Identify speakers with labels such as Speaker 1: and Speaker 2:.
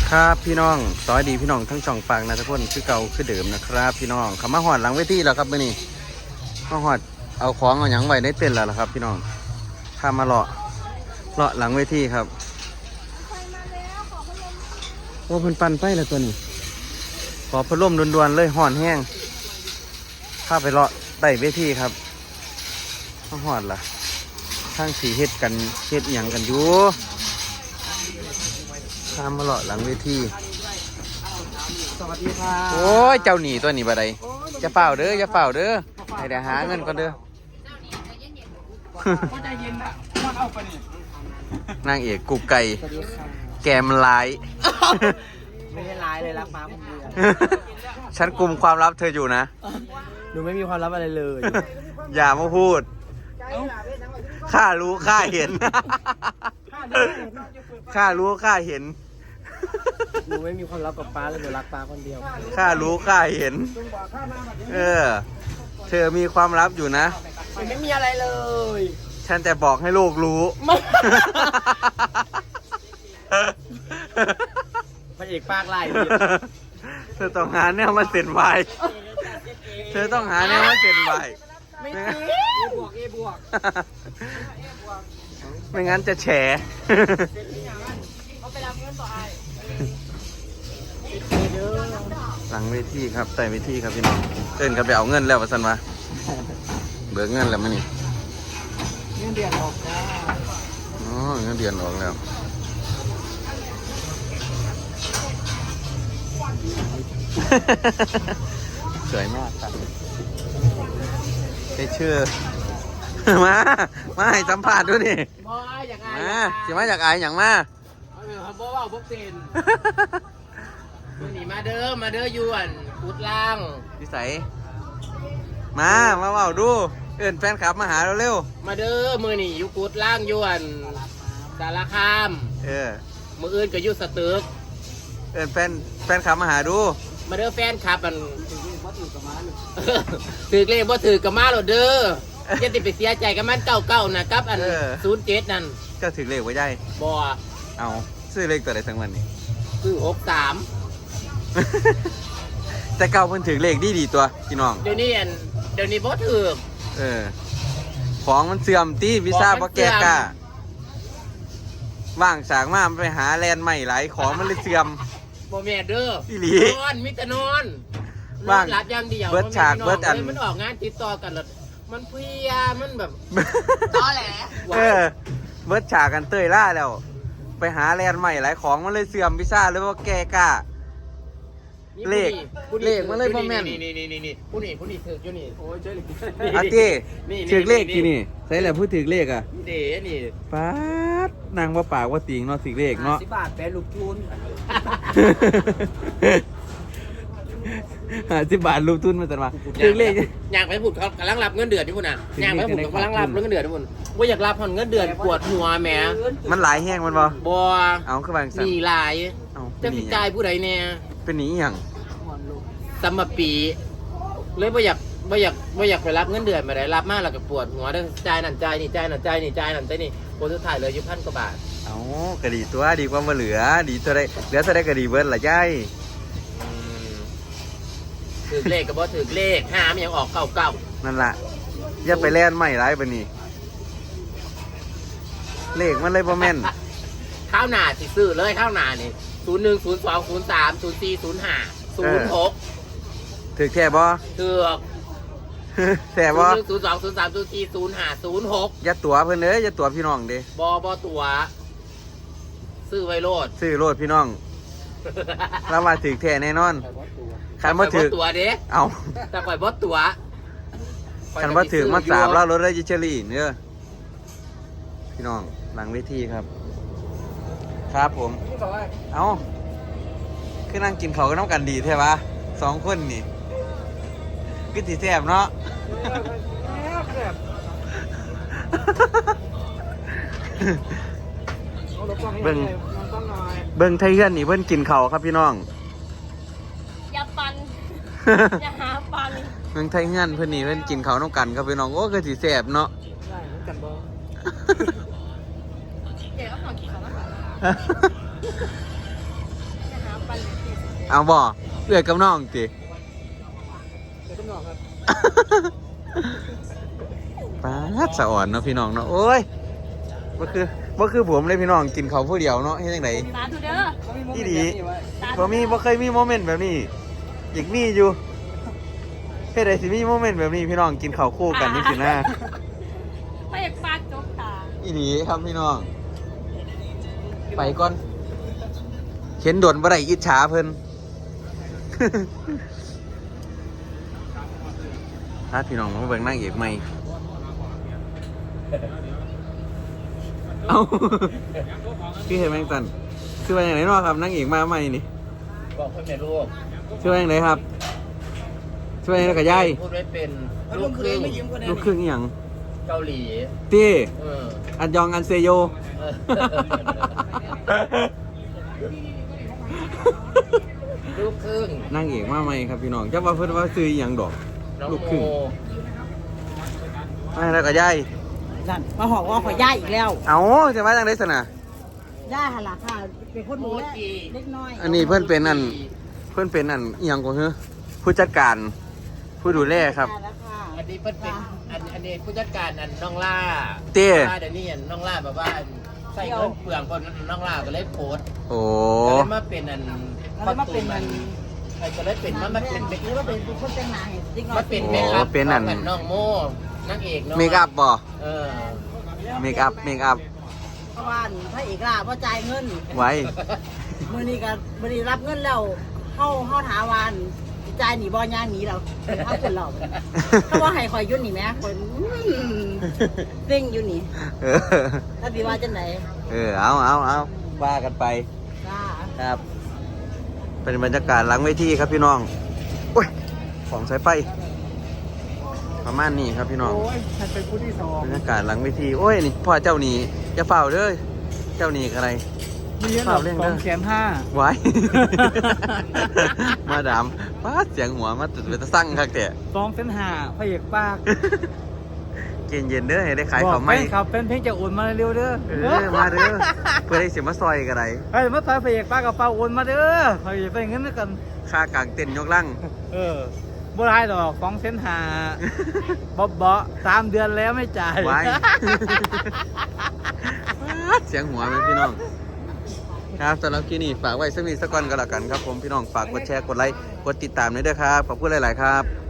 Speaker 1: ครับพี่น้องสวัสดีพี่น้องทั้งช่องฟังนะทุกคนคือเก่าคือเดิมนะครับพี่น้องเขามาหอดหลังเวทีแล้วครับมื่อนี้มาหอดเอาของเอาหยังไว้ในเต็นท์แล้วล่ะครับพี่น้องพามาเลาะหลังเวทีครับว่าเพิ่นปั่นไฟแล้วตัวนี้ขอพัดลมด่วนๆเลยห่อนแห้งพาไปเลาะใต้เวทีครับมาหอดล่ะทางสีเฮ็ดกันเฮ็ดหยังกันอยู่พามาเลาะหลังเวที
Speaker 2: สวัสดีค่ะ
Speaker 1: โอ้ยเจ้าหนีตัวหนีบ่ได้จะเฝ้าเด้อจะเฝ้าเด้อให้ได้หาเงินก่อนเด้อ
Speaker 2: ก็ใจเย็นนะมันเอาไปนี่
Speaker 1: นางเอกกุ๊กไก่แกมลาย
Speaker 2: ไม่ได้ร้ายเลยรักมาคนเดียว
Speaker 1: ฉันกุมความลับเธออยู่นะ
Speaker 2: หนูไม่มีความลับอะไรเลย
Speaker 1: อย่ามาพูดข้ารู้ข้าเห็นข้ารู้ข้าเห็น
Speaker 2: หนูไม่มีความลับกับป้าเลยหนูรักป้าคนเดียว
Speaker 1: ข้ารู้ข้าเห็นเธอมีความลับอยู่นะ
Speaker 2: ไม่มีอะไรเลย
Speaker 1: ฉันแต่บอกให้โลกรู้
Speaker 2: พระเอกปากไล่
Speaker 1: เธอต้องหาแนวมาเซ็นไวเธอต้องหาแนวมาเซ็นไว
Speaker 2: ไม่จริงบวกบวก
Speaker 1: ไม่งั้นจะแฉ
Speaker 2: เขาไปรับเงินต่อไอ้
Speaker 1: หลังเวทีครับใต้เวทีครับพี่น้องเต้นกันไปเอาเงินแล้วประสันมาเบิกเงินแล้วมั้ยนี่
Speaker 2: เงินเดือนออกจ้า
Speaker 1: อ๋อเงินเดือนออกแล้วสวยมากครับได้ชื่อมาให้สัมภาษณ์ด้วยนี่มาสิมาจากไออย่างมา
Speaker 2: บ่ว่าบ่เป็นนี่มาเด้อยวนกุดล่าง
Speaker 1: นิสัยมาเว้าดูเอิ้นแฟนคลับมาหาเราเร็ว
Speaker 2: มาเด้อมือนี่อยู่กุดล่างยวนสารคามมืออื่นก็อยู่สตึก
Speaker 1: เอิ้นแฟนคลับมาหาดู
Speaker 2: มาเด้อแฟนคลับมันถือเลขบ่ถือกระมาหรอเด้อจะติดไปเสียใจกับมันเก่าๆนะกับอัน07นั่น
Speaker 1: ก็ถือเลขไว้ได้
Speaker 2: บ่
Speaker 1: เอาซื้อเลขตัวใดทั้งวันนี่
Speaker 2: คือ63
Speaker 1: แต่เก่าเพิ่นถือเลขดีตัวพี่น้อง
Speaker 2: เดี๋ยวนี้บ่ถือ
Speaker 1: ของมันเสื่อมตีวีซ่าบ่แก่กล้าว่างสางมาไปหาแลนด์ใหม่หลายของมันเลยเสื่อม
Speaker 2: บ่แม่เด้อ
Speaker 1: อีหลี
Speaker 2: นอนมิตรนอนว่างรับอย่างเดียว
Speaker 1: เบิดฉากเบิดอัน
Speaker 2: มันออกงานติดต่อกันแล้วมันเพลียมันแบบตอแหล
Speaker 1: เบิดฉากกันเตยล่าแล้วไปหาแลนด์ใหม่หลายของมันเลยเสื่อมวีซ่าเลยว่าแก่กล้าเลขมันเลยบ่แม่น
Speaker 2: นี่ผู้นี่ถืออยู่นี่โอ้ยเจ้า
Speaker 1: อาตีถือเลขที่นี่ใช่แหละพูดถือเลขอ่ะ
Speaker 2: เด้นี่
Speaker 1: ป๊าดนางว่าปากว่าติงเนาะถือเลขเนาะ
Speaker 2: 10 บาทแปะลูกทุน
Speaker 1: 10 บาทลูกทุนมาแต่มาถือเลข
Speaker 2: อยากไปพูดเขากำลังรับเงินเดือนที่พุ่นน่ะอยากไปพูดเขากำลังรับเงินเดือนที่พุ่นว่าอยากรับเงินเดือนปวดหัวแหม
Speaker 1: มันหลายแห้งมันบ่เอาคือบาง
Speaker 2: สั่งมีหลายจะพิจารผู้ใดเนี่ย
Speaker 1: เป็นหนีอย่าง
Speaker 2: สมปีเลยบ่อยากไปรับเงินเดือนมาได้รับมากแล้วก็ปวดหัวเด้อจ่ายนั่นจ่ายนี่จ่ายนั่นจ่ายนี่จ่ายนั่นจ่ายนี่ผลสุดท้ายเลยอยู่1,000 กว่าบาท
Speaker 1: เอาก็ดีตัวดีกว่ามาเหลือดีตัวได้เหลือตัวได้ก็ดีเบิร์ดละย่าย
Speaker 2: ถือเลขกับบ่ถือเลขหามันยังออกเก่า
Speaker 1: นั่นแหละอย่าไปแล่นใหม่ไรปะนี่เลขมันเลยบ่แม่น
Speaker 2: ข้าวหน้าสิซื้อเลยข้าวหน้านี่01 02 03 04 05 06
Speaker 1: ถือแค่บ่
Speaker 2: ถือ
Speaker 1: แค่บ่
Speaker 2: 02 03 04 05 06
Speaker 1: อย่าตั๋วเพิ่นเด้ออย่าตั๋วพี่น้องเด้
Speaker 2: บ่ตั๋วซื้อไว้โลด
Speaker 1: ซื้อโลดพี่น้องเรามาถือแท้แน่นอนคันบ่ถือ
Speaker 2: ตั๋วเด้
Speaker 1: เอา
Speaker 2: แต่ข่อยบ่ตั๋ว
Speaker 1: คันบ่ถือมา3แล้วรถได้ยิเชอรี่เด้อพี่น้องหลังเวทีครับครับผมเอาคือนั่งกินเขาก็น้ำกันดีใช่ปะ2 คนนี่คือสีแซ่บเนาะเบิ่งไทยเฮือนนี่เพิ่นกินเขาครับพี่น้อง
Speaker 3: อย่าปันอย่าหาปัน
Speaker 1: เบิ่งไทยเฮือนเพิ่นนี่เพิ่นกินเขาน้ำกันครับพี่น้องโอ้คือสีแซ่บเนาะ
Speaker 2: ได้เหมือนกันบ่
Speaker 3: เดี๋ยวก็ขอกินเขาบ้าง
Speaker 1: เอาบ่เอื้อยกับน้องติ
Speaker 2: เดี๋ยวต้องนอนครับ
Speaker 1: ป้าดสะอ่อนเนาะพี่น้องเนาะโอ้ยบ่คือผมเลยพี่น้องกินเขาวผู้เดียวเนาะเฮ็ดจังได
Speaker 3: สาธุเด้อ
Speaker 1: ที่ดี
Speaker 3: สาธุ
Speaker 1: บ่เคยมีโมเมนต์แบบนี้อยากมีอยู่เฮ็ดได้สิมีโมเมนต์แบบนี้พี่น้องกินข้าวคู่กันนี่สินะ
Speaker 3: ไม่อยากปากจกตา
Speaker 1: อีหลีครับพี่น้องไปก่อนเข็นด่วนบ่ได้อิจฉาเพิ่น ถ้าพี่น้องมาเบิ่งนางเอกใหม่เอ้า พี่เห็นแมงตันชื่อว่าอย่างไรเนาะครับนางเอกมาใหม่นี่
Speaker 2: บอกเพื่อนแม่ลูก
Speaker 1: ชื่อว่าอย่างไรครับชื่อว่าอย่างไรกับยาย
Speaker 2: พูดไว้เป็นลูกครึ่ง
Speaker 1: ลูกครึ่งอหย่าง
Speaker 2: เกาหลี
Speaker 1: ตี้
Speaker 2: เออ
Speaker 1: อันยองอันเซโย
Speaker 2: เออลูกครึ่ง
Speaker 1: นางเอกมาใหม่ครับพี่น้องจะว่าเพิ่นว่าซื้ออหย่างดอก
Speaker 2: น้อง
Speaker 1: ลูก
Speaker 2: โม
Speaker 1: ครึ่งมาแล้วกับยาย
Speaker 4: นั่นมาหอกว่าขอย่าอีกแล้ว
Speaker 1: เอาจะมาจังได๋ซั่นน่ะ
Speaker 4: ย่าหันหลังค่ะเป็นคนดูแลเล็กน้อย
Speaker 1: อันนี้เพิ่นเป็นอันอหยังก็คือผู้จัดการผู้ดูแลครับ
Speaker 4: แล้วค่ะ
Speaker 2: อันนี้เพิ่นเป็นอันนี้ผู้จัดการอันน้องล่า
Speaker 1: เต้
Speaker 2: เดี๋ยวนี้อันน้องล่าแบบว่าใส่เงินเปลืองคนน้องล่าก็เลยโพสต์
Speaker 1: โอ้
Speaker 2: ก็เลยมาเป็นอัน
Speaker 4: แล้วมาเป็นมัน
Speaker 2: ก็เลยเป็นมาเป็นเด็ก
Speaker 4: หรือว่าเป็นคนแต่งหน้าให้เล็กน้อย
Speaker 2: มาเป็นเมคอัพของน้องโมนางเอกน้อง
Speaker 1: เมคอัพบ่
Speaker 2: เออ
Speaker 1: เมคอัพ
Speaker 4: เพราะว่าพระเอกล่ะเพราะจ่ายเงิน
Speaker 1: ไว้
Speaker 4: มื้อนี้ก็มื้อนี้รับเงินแล้วเฮาถามวานจ่ายหนีบ่ย่างหนีเราเอาคนเราเขาว่าให้คอยยุ่นนี่แม่คนเร่งอยู่นี่
Speaker 1: เออ
Speaker 4: ถ้าสิว่าจังได๋
Speaker 1: เอาว่ากันไป
Speaker 4: จ้า
Speaker 1: ครับ เป็นบรรยากาศหลังเวทีครับพี่น้องโอ้ยของสายไฟประมาณนี้ครับพี่น้อง
Speaker 4: โอ้ยฉันเป็นผู้ที่สอง
Speaker 1: บรรยากาศหลังเวทีโอ้ยนี่พ่อเจ้านี่จะเฝ้าเด้อเจ้านี่อะไร
Speaker 4: มีเยอะหรอ2,500,000
Speaker 1: ไว้ มาดามป้าดเสียงหัวมาตุดเป็นตะสั่งครับแต่
Speaker 4: 2,500,000พระเอกปาก
Speaker 1: เย็นเย็นๆเด้อให้ได้ขายของไหม
Speaker 4: ครับเป็นเพลงจะโอนมาเร็วเด้อ
Speaker 1: มาเด้อเพื่อได้เสียมาซอยกันไร
Speaker 4: เฮ้ยมาซอยพระเอกป้ากับเป้าโอนมาเด้อพระเอกไปเงินด้วยกัน
Speaker 1: ค่ากลางเต้นยกลัง
Speaker 4: บ่ได้ดอก2,500,000บ๊อบ3 เดือนแล้วไม่จ่าย
Speaker 1: ไว้ เสียงหัวไหมพี่น้อง ครับสำหรับคลิปนี้ฝากไว้สักนิดสักก่อนก็แล้วกันครับผมพี่น้องฝากกดแชร์กดไลค์กดติดตามด้วยเด้อครับขอบคุณหลาย ๆ ครับ